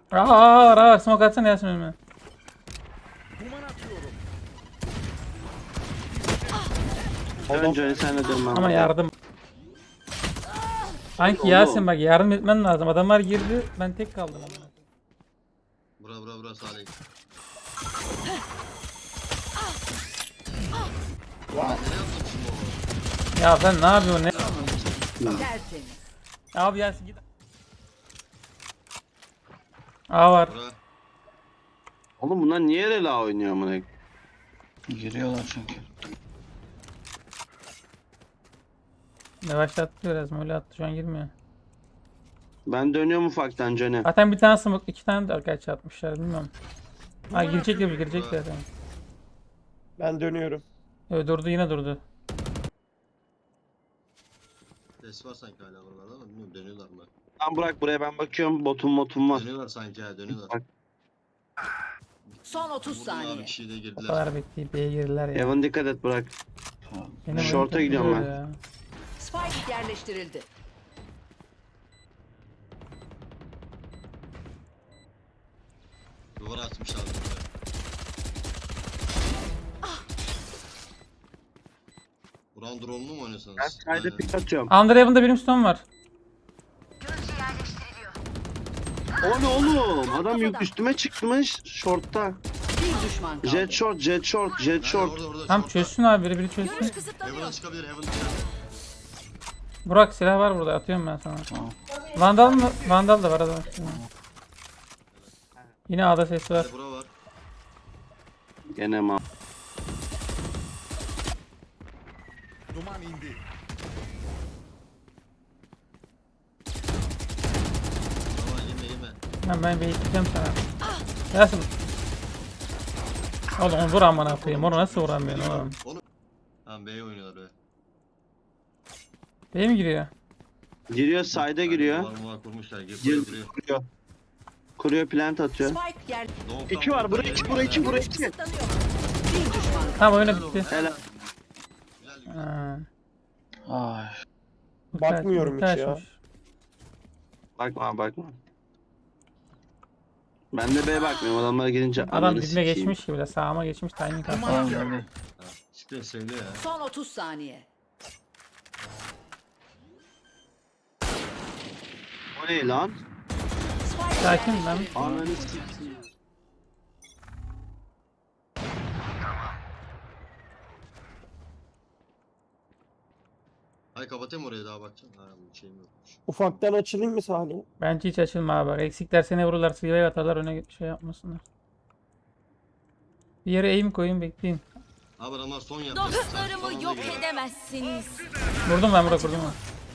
Ara smoke atsana Yasin önüme. Önce sen de dönmem. Ama yardım. Sanki Oğlum. Yasin bak yardım etmen lazım. Adamlar girdi ben tek kaldım. Bura Salih. Ya sen ne yapıyorsun ne? Tertemiz. Abi Yasin git. A var. Bura. Oğlum bunlar niye rela oynuyor amına? Giriyorlar çünkü. Yavaşlattı biraz öyle attı şu an girmiyor. Ben dönüyorum ufaktan Johnny. Zaten bir tane smoke iki tane de arkadaş atmışlar bilmiyorum. Ha girecek zaten. Ben dönüyorum. Evet durdu yine durdu. Ses var sanki hala buralarda ama bilmiyorum dönüyorlar mı? Tamam bırak buraya ben bakıyorum. Botum var. Dönüyorlar sanki ha dönüyorlar. Bak. Son 30 Vurdular saniye. bir kişiyi de O girdiler. kadar bekleyip B'ye girdiler ya. Evan dikkat et bırak. Benim Short'a oyun gidiyorum çok ben. ya. Spike yerleştirildi. Duvara atmışlar buraya. Buran drone'lu mu oynuyorsunuz? Ben sayda Aynen. pik atıyorum. Under Heaven'da benim stone var. O ne oğlum? Adam üstüme çıkmış short'ta. Bir düşman kaldı. Jet short. Nerede? Orada. Tam short'ta. çözsün abi biri çözsün. Görüş kısıtlanıyor. Heaven'a çıkabilir Heaven'a. Burak silah var burada atıyorum ben sana. Tamam. Vandal mı? Vandal da var adam. Yine A'da ses var. Bura var. Gene ma. Duman indi. Bura yeme. Ben bekleyeceğim sana. Yasin. Oğlum vur amına koyayım. Onu nasıl vuramıyorsun oğlum? Onu. Tamam B'ye oynuyorlar be. B'ye mi giriyor? Giriyor sayda giriyor. Duvar kurmuşlar. Giriyor. Kuruyor. Kuruyor plant atıyor. Spike yer. İki var buraya iki buraya iki buraya iki. Kısıtlanıyor. Bir düşman kaldı. Tamam oyuna bitti. Helal. Güzel. Ha. Ay. Bakmıyorum hiç ya. açmış. Bakma. Ben de B'ye bakmıyorum adamlara gelince. Adam ananı dibime sikeyim. geçmiş gibi de sağıma geçmiş timing attı. Tamam geldi. Siktir sevdi ya. Son 30 saniye. O ne lan? Spike Sakin lan. Ananı sikeyim. Hay kapatayım orayı daha bakacağım. Ha bu şeyim yokmuş. Ufaktan açılayım mı Salih? Bence hiç açılma abi. Bak, eksikler seni vururlar, sıyıya atarlar öne şey yapmasınlar. Bir yere aim koyun bekleyin. Abi adamlar son yaptı. Sen son Dostlarımı anda yok gir. edemezsiniz. Vurdum ben Burak vurdum ben.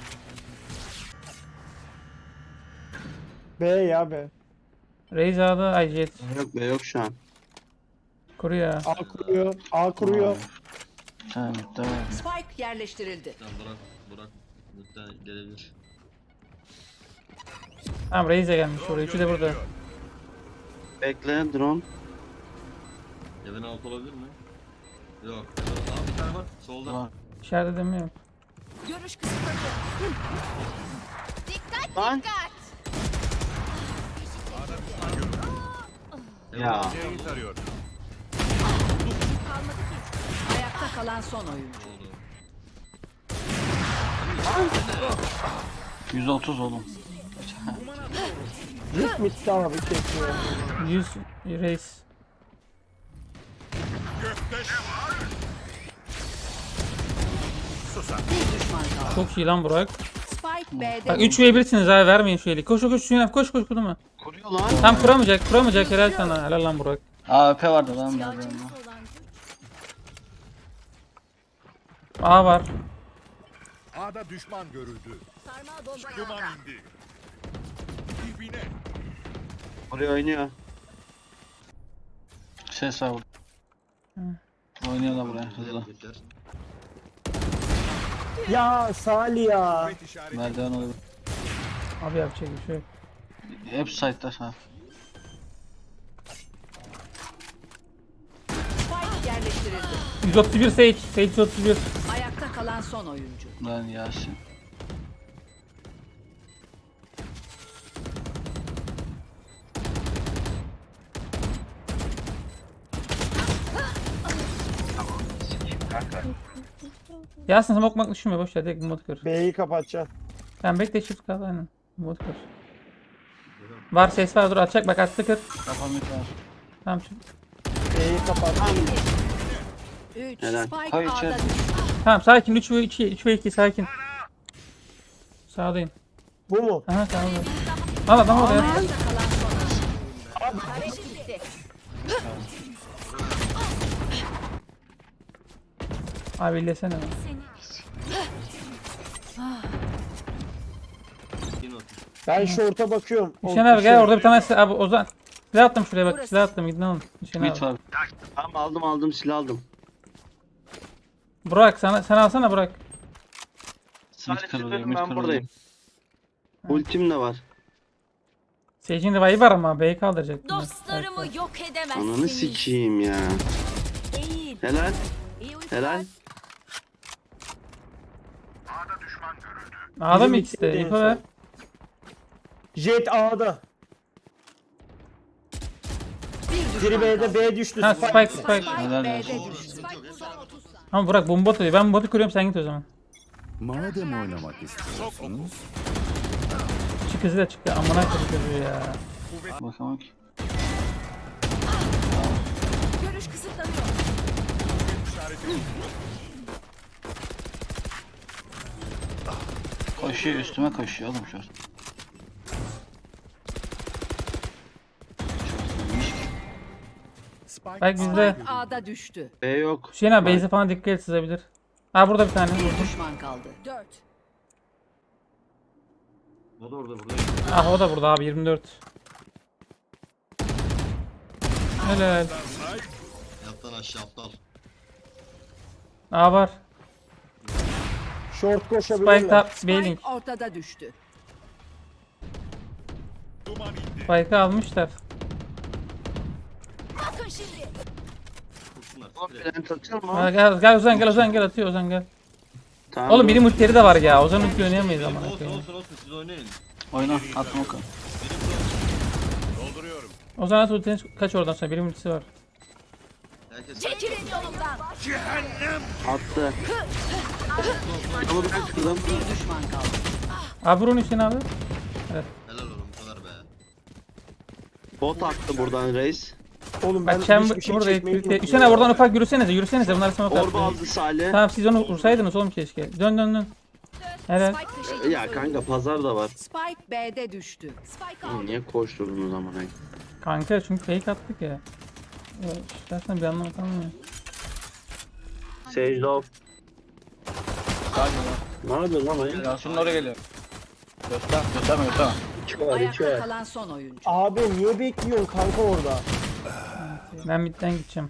B ya B. Raze A'da ay jet. Yok be yok şu an. Kuruyor. A kuruyor. A kuruyor. Tamam bitti var. Spike yerleştirildi. Tamam Burak. Lütfen gelebilir. Tamam Raze gelmiş oraya. Üçü de burada. Bekle drone. Evin altı olabilir mi? Yok. Abi bir tane var. Solda. Var. İçeride demiyorum. Görüş kısıtlanıyor. Lan. Ya. C'yi tarıyor. Ayakta kalan son oyuncu. Oldu. 130 oğlum. Rit bitti abi kesiyor. 100 Raze. Bir düşman kaldı. Çok iyi lan Burak. Spike B'de. Bak 3 v 1'siniz abi vermeyin şu eli. Koş Suyunaf koş kurma. Kuruyor lan. Tam kuramayacak helal sana. Helal lan Burak. AWP vardı lan nerede onda. A var. A'da düşman görüldü. Sarmal bomba Duman yolda. indi. Dibine. Buraya oynuyor. Ses var burada. Oynuyorlar buraya hızlı. Yeter. Ya Salih ya. Kuvvet işareti. Merdiven oluyor. Abi yapacak bir şey yok. Hep site'da ha. Spike yerleştirildi. 131 Sage. Sage 131. Ayakta kalan son oyuncu. Lan Yasin. Yasin smoke bakmak düşünme boş ver direkt mod kır. B'yi kapatacaksın. Sen bekle shift kal aynen. Mod kır. Var ses var dur atacak bak attı kır. Kafam yok ya. Tamam şimdi. B'yi kapat. 3. Helal. Spike Hayır, A'da içeride. düştü. Tamam sakin 3 ve 2 3 ve 2 sakin. Sağdayım. Bu mu? Aha sağda. Al adam orada ya. Ayakta kalan son oyuncu. Tarek gitti. Abi illesene. lan. Yine otur. Ben şorta bakıyorum. Hüseyin abi gel orada bir tane abi Ozan. Silah attım şuraya bak silah attım gidin alın. Hüseyin Mid abi. var. Tamam aldım silah aldım. Burak sen alsana Burak. Sadece kırılıyor, benim mid ben kırılıyor. buradayım. Ultim de var. Sage'in revive'i var ama B'yi kaldıracak. Dostlarımı yok edemezsiniz. Ananı sikeyim ya. Eğil. Helal. İyi uykular. Helal. A'da mı Biri ikisi de? midde İpo en ver. son. Jet A'da. Bir Biri düşman B'de kaldı. B düştü. Ha Spike. Spike Spike. Spike Helal B'de olsun. düştü. Spike buradan 30 saniye. Ama Burak bomba atıyor. Ben botu kırıyorum sen git o zaman. Madem oynamak istiyorsunuz. Çık hızı da çıktı. Amına koyayım ya. Bakamam ki. Görüş kısıtlanıyor. Koşuyor üstüme koşuyor oğlum şu an. Bak bizde. Spike A'da düştü. B yok. Hüseyin abi base'e falan dikkat et sızabilir. Ha burada bir tane Bir vurdum. düşman kaldı. 4. O da orada burada. Ah o da burada abi 24. Helal. Yattan aşağı aptal. A var. Short Spike koşabilirler. top B-Link. Spike ortada düştü. Duman indi. Spike'ı almışlar. Bakın şimdi. Kursunlar. Oğlum Direkt. plant atıyor mu? Ha, gel Ozan gel atıyor Ozan gel. Tamam. Oğlum benim ultileri de var ya. Ozan ulti oynayamayız ama. Olsun olsun siz oynayın. Oyna atma o kadar. Dolduruyorum. Ozan at ultini kaç oradan sonra benim ultisi var. Herkes Çekilin yolumdan. Attı. Ama ben kırdım. Bir düşman kaldı. Abi vurun Hüseyin abi. helal oğlum bu kadar be. Bot attı buradan reis. Oğlum ben Bak Chamber hiçbir şey burada. çekmeyi unuttum Hüseyin abi oradan ufak yürüsenize. Bunlar smoke Orba attı. aldı Salih. Tamam siz onu vursaydınız oğlum keşke. Dön. Helal. Spike taşıyıcı. Ya kanka pazar da var. Spike B'de düştü. Spike Oğlum aldı. niye koşturdun o zaman? Ay? Kanka çünkü fake attık ya. Ya istersen bir anlamı kalmıyor. Sage off. Ne yapıyorsun lan? Ay? Yasin'in oraya geliyor. Gösterme. Ayakta kalan son oyuncu. Abi niye bekliyorsun kanka orada? Ben midden gideceğim.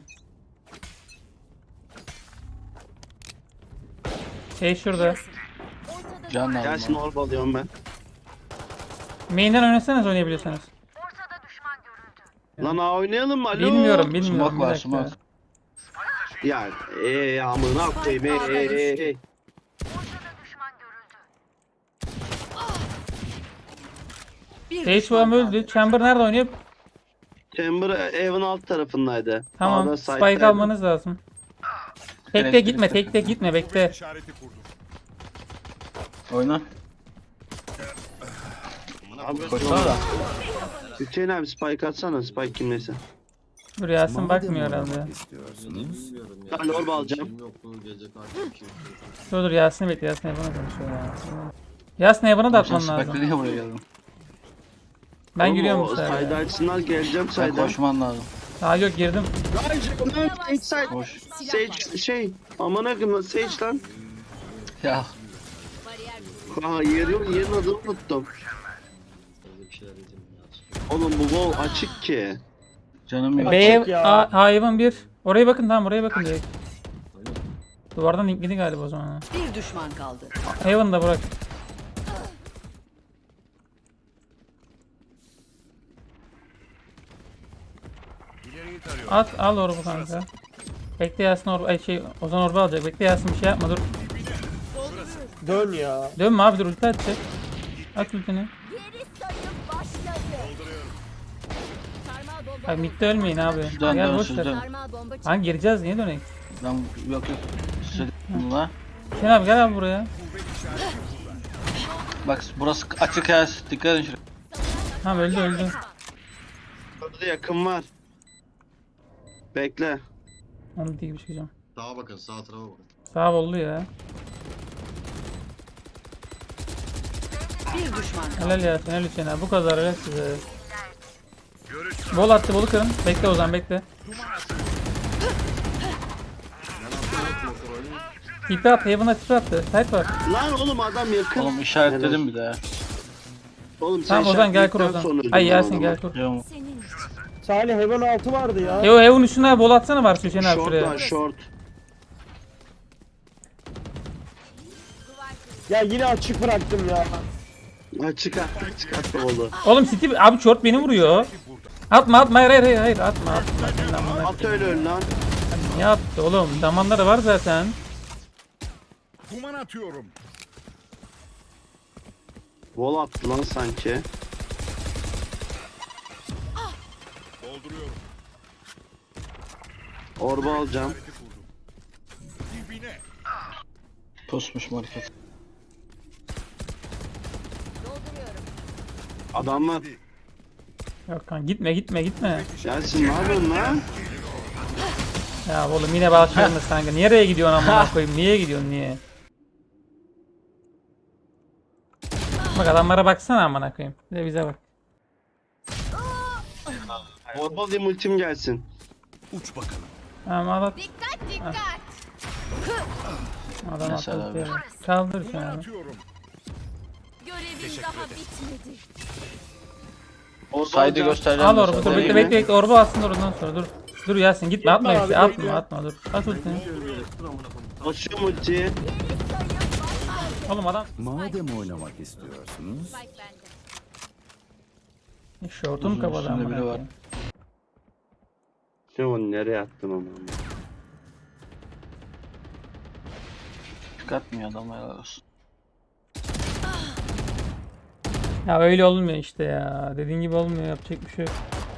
Şey şurada. Can lazım. Gelsin orba alıyorum ben. Main'den oynasanız oynayabiliyorsanız. Lan A oynayalım mı? Alo. Bilmiyorum. Smoke Bir var dakika. smoke. Ya amına koyayım. Bir Sage düşman falan kaldı. öldü. Chamber nerede oynuyor? Chamber evin alt tarafındaydı. Tamam. A'da Spike side'daydı. almanız lazım. Tekte gitme bekle. İşareti kurdum. Oyna. Abi Koşsana da. Hüseyin abi spike atsana. Spike kimleyse. Dur Yasin bakmıyor herhalde. Bilmiyorum ya. Ben orba alacağım. Kim yok bu gece karşı bir şey. Dur Yasin'i bekle. Yasin Evan'a konuşuyor ya. Yasin Evan'a da atman Sen lazım. Spike'le niye buraya geldin? Ben Oğlum, giriyorum o bu sefer. Side ya. açsınlar geleceğim Sen side'a. koşman lazım. Aa yok girdim. Sage side. Koş. Sage şey. Amına koyayım Sage lan. Ya. Ha yerin adını unuttum. Fazla bir şeyler yedim ya. Oğlum bu wall açık ki. Canım yok. B ya. Hayvan 1. Oraya bakın tamam oraya bakın direkt. Duvardan linkledi galiba o zaman. Bir düşman kaldı. Heaven da bırak. İleriyi tarıyorum. Al orbu kanka. Bekle Yasin Ozan orba alacak. Bekle Yasin bir şey yapma dur. Dön ya. Dönme abi dur ulti atacak. At ultini. Geri sayım başladı. Sarmal bomba. Abi midde ölmeyin abi. Dön, Gel dön, boş siz ver. dön. Sarmal bomba çıktı. Lan gireceğiz niye dönelim? Ben yok. Söyledim la. Hüseyin abi gel abi buraya. Bak burası açık ya. Dikkat edin şuraya. Tamam öldü. Burada yakın var. Bekle. Onu değil bir şey diyeceğim. Sağa bakın, sağ tarafa bakın. Sağ oldu ya. Bir düşman kaldı. Helal ya helal Hüseyin abi. Bu kadar helal size. Bol attı bolu kırın. Bekle Ozan bekle. Tipi attı. Heaven'a tipi attı. Site var. Lan oğlum adam yakın. Oğlum işaretledim bir de ya. Oğlum sen Tamam Ozan gel kur işaretledikten Ozan. sonra öldün Ay lan Yasin adamı. gel kur. Yok. Senin için. Salih Heaven 6 vardı ya. Heaven üstüne bol atsana var Hüseyin abi Short şuraya. var short. Ya yine açık bıraktım ya. Ha çıkarttı oldu. Oğlum Steve abi short beni vuruyor. Atma hayır atma. At öyle öl lan. Niye attı oğlum? Damanları var zaten. Duman atıyorum. Wall attı lan sanki. Dolduruyorum. Orba alacağım. Hariti kurdum. Dibine. Pusmuş market. Dolduruyorum. Adam var. Yok kan gitme. Gelsin ne yapıyorsun lan? Ya oğlum yine başlıyorsunuz kanka. Nereye gidiyorsun amına koyayım? Niye gidiyorsun niye? Bak adamlara baksana amına koyayım. Bir de bize bak. Orba alayım ultim gelsin. Uç bakalım. Tamam al at. Dikkat dikkat. Adam Mesela atladı. abi. Kaldır Duman şunu abi. atıyorum. Görevin daha bitmedi. Orba Saydı alacağım. göstereceğim. Al orbu dur Değil bekle mi? bekle orbu alsın oradan sonra dur. Dur Yasin gitme atma Gitme işte abi, atma bekle. atma dur. At ultini. Açıyorum ultiyi. Oğlum adam Madem oynamak istiyorsunuz, Spike bende. şortunu Uzun kapadı üstünde amına biri var. koyayım. Şimdi onu nereye attın onu? Çıkartmıyor adam helal olsun. Ya öyle olmuyor işte ya. Dediğin gibi olmuyor yapacak bir şey yok.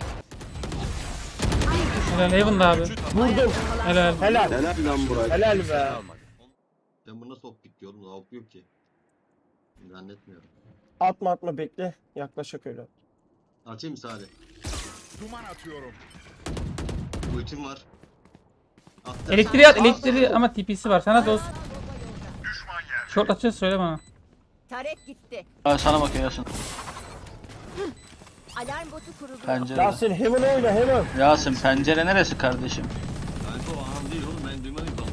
Helal Heaven'da abi. Vurdum. Helal. Helal. Helal lan Burak. Helal be. Ben bunu nasıl optik diyorum da op yok ki. Zannetmiyorum. Atma bekle. Yaklaşık öyle. Açayım mı Salih? Duman atıyorum. Ultim var. Attım. Elektriği at elektriği ama TP'si var. Sana dost. Short açacağız söyle bana. Taret gitti. Abi sana bakıyor Yasin. Alarm botu kurulu. Pencere. Yasin Heaven oyna Heaven. Yasin pencere neresi kardeşim? Kanka o an değil oğlum, ben duymadım ki Allah.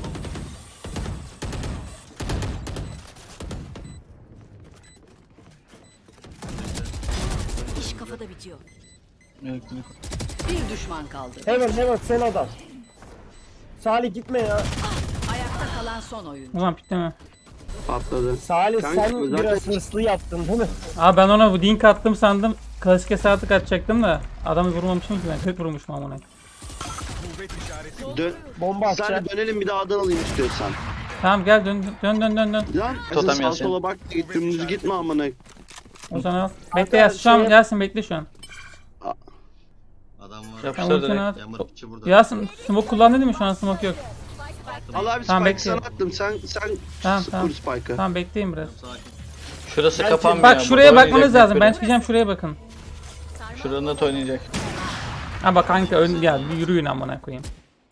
İş kafada bitiyor. Elektrik. Bir düşman kaldı. Heaven son adam. Salih gitme ya. Ayakta kalan son oyuncu. Ulan pitleme. Patladı. Salih Kanka, sen zaten- biraz hırslı yaptın değil mi? Abi ben ona bu dink attım sandım. Klasik hesaplık atacaktım da adamı vurmamışım ki ben. 40 vurmuşum amına. Kuvvet işareti. Dön. Bomba atacak. Sadece dönelim bir daha A'dan alayım istiyorsan. Tamam gel dön. Lan Totem sağ Yasin. sola bak dümdüz gitme amına. O zaman al. Kanka, Bekle Yasin şu an şey- Yasin bekle şu an. Adam var. Yapıştır Tamam ultini direkt. at. Yammer piçi burada. Yasin smoke kullandın değil mi şu an smoke yok. Al abi Tamam, spike sana bekliyorum. attım. Sen Tamam. kur spike'ı. Tamam bekleyin biraz. Sakin. Şurası Ben- kapanmıyor. Bak şuraya Burada bakmanız oynayacak lazım. biri. Ben çıkacağım şuraya bakın. Şurada net oynayacak. Ha bak kanka ön gel bir yürüyün amına koyayım.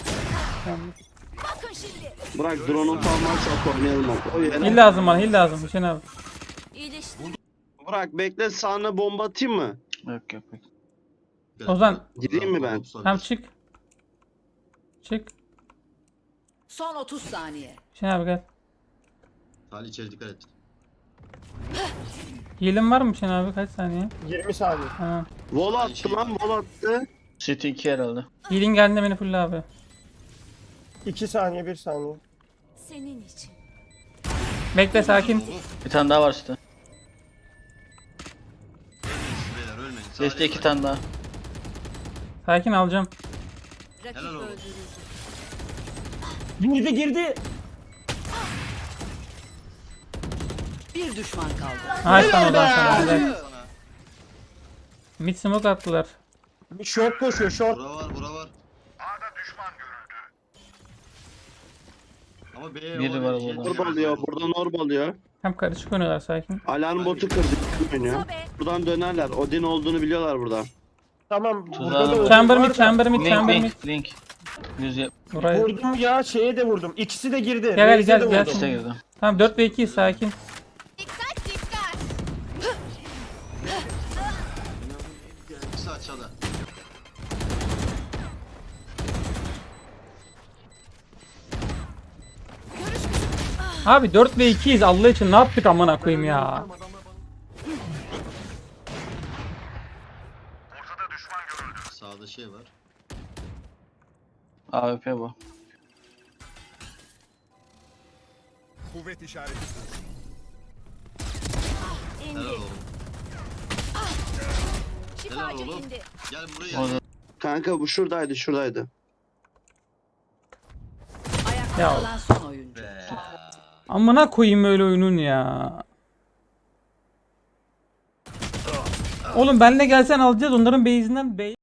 Bakın şimdi. Bırak drone'un falan varsa oynayalım bak. O yere. Hil lazım bana hil lazım Hüseyin abi. İyileşti. Bırak bekle sağına bomba atayım mı? Yok yok. Ozan. Gideyim mi ben? Tamam çık. Çık. Son 30 saniye. Hüseyin abi gel. Salih içeri dikkat et. Hilin var mı Hüseyin abi kaç saniye? 20 saniye. Tamam. Wall attı lan wall attı. City 2 herhalde. Hilin geldiğinde beni full abi. 2 saniye 1 saniye. Senin için. Bekle sakin. Bir tane daha var City. Beyler ölmeyin. Geçti 2 tane daha. Sakin alacağım. Rakip Helal olsun. öldürüldü. Girdi. Bir düşman kaldı. Nice lan Ozan sana. Helal. Mid smoke attılar. Short koşuyor short. Bura var, bura var. Ama B'ye Biri var burada. Orb alıyor. Buradan orb alıyor. Hem karışık oynuyorlar sakin. Alarm botu kırdı. Oynuyor. Sobe. Buradan dönerler. Odin olduğunu biliyorlar burada. Tamam. Tuzağı Burada da var. Odin Chamber var mid, da. chamber mid, Link chamber mid. link link. 170. Buraya. Vurdum ya şeye de vurdum. İkisi de girdi. Gel, Raze'e gel, de gel. vurdum. İşte girdi. Tamam 4 ve 2 sakin. Dikkat dikkat. İkisi aşağıda. Abi 4 ve 2'yiz Allah için ne yaptık amına koyayım ya. Sağda şey var. AWP bu. Kuvvet işareti. Helal İndi. oğlum. Şifacı oğlum. indi. Gel buraya. Orada. Kanka bu şuradaydı şuradaydı. Ayakta Ya. kalan son oyuncu. Be. Amına koyayım öyle oyunun ya. Oğlum benle gelsen alacağız onların base'inden